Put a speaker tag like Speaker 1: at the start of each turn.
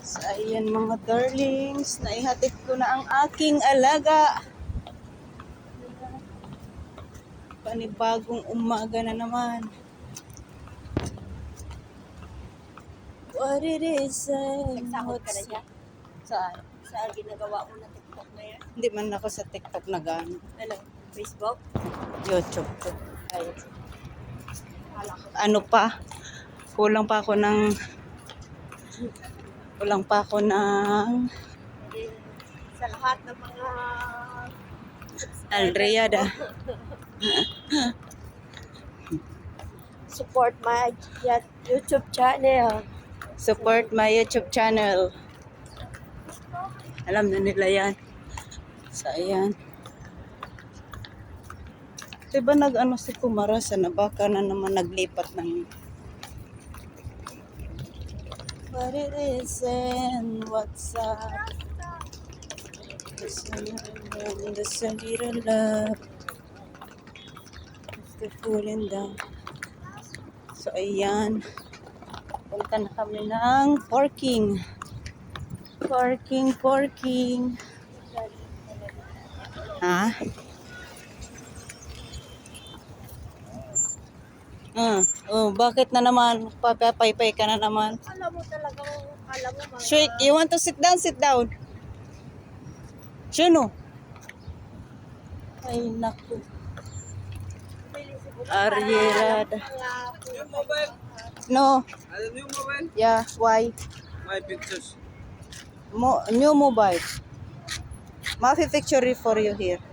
Speaker 1: So, ayan mga darlings, naihatid ko na ang aking alaga. Panibagong umaga na naman. What it is,
Speaker 2: Nagsahod ka na dyan?
Speaker 1: Saan?
Speaker 2: Sa ginagawa mo na TikTok na yan?
Speaker 1: Hindi man ako sa TikTok na gano'n.
Speaker 2: Ano? Facebook?
Speaker 1: YouTube ko.
Speaker 2: Ay, hala ko.
Speaker 1: Ano pa? Kulang pa ako ng
Speaker 2: Sa lahat ng mga
Speaker 1: Alriada.
Speaker 2: support my YouTube channel.
Speaker 1: Support my YouTube channel. Alam na nila yan. So, ayan. Diba nag-ano si Kumara sa baka na naman naglipat ng what it is and what's up. The little love. The falling down. So, ayan. Punta na kami ng parking. Parking. Ha? Bakit na naman? Papaypay ka na naman.
Speaker 2: Alam mo talagang, alam mo mga...
Speaker 1: Shake, you want to sit down? Sit down. Juno. Ay, naku. Arrierada. No.
Speaker 3: New mobile?
Speaker 1: Yeah, why?
Speaker 3: My pictures.
Speaker 1: New mobile. Mafi picture for you here.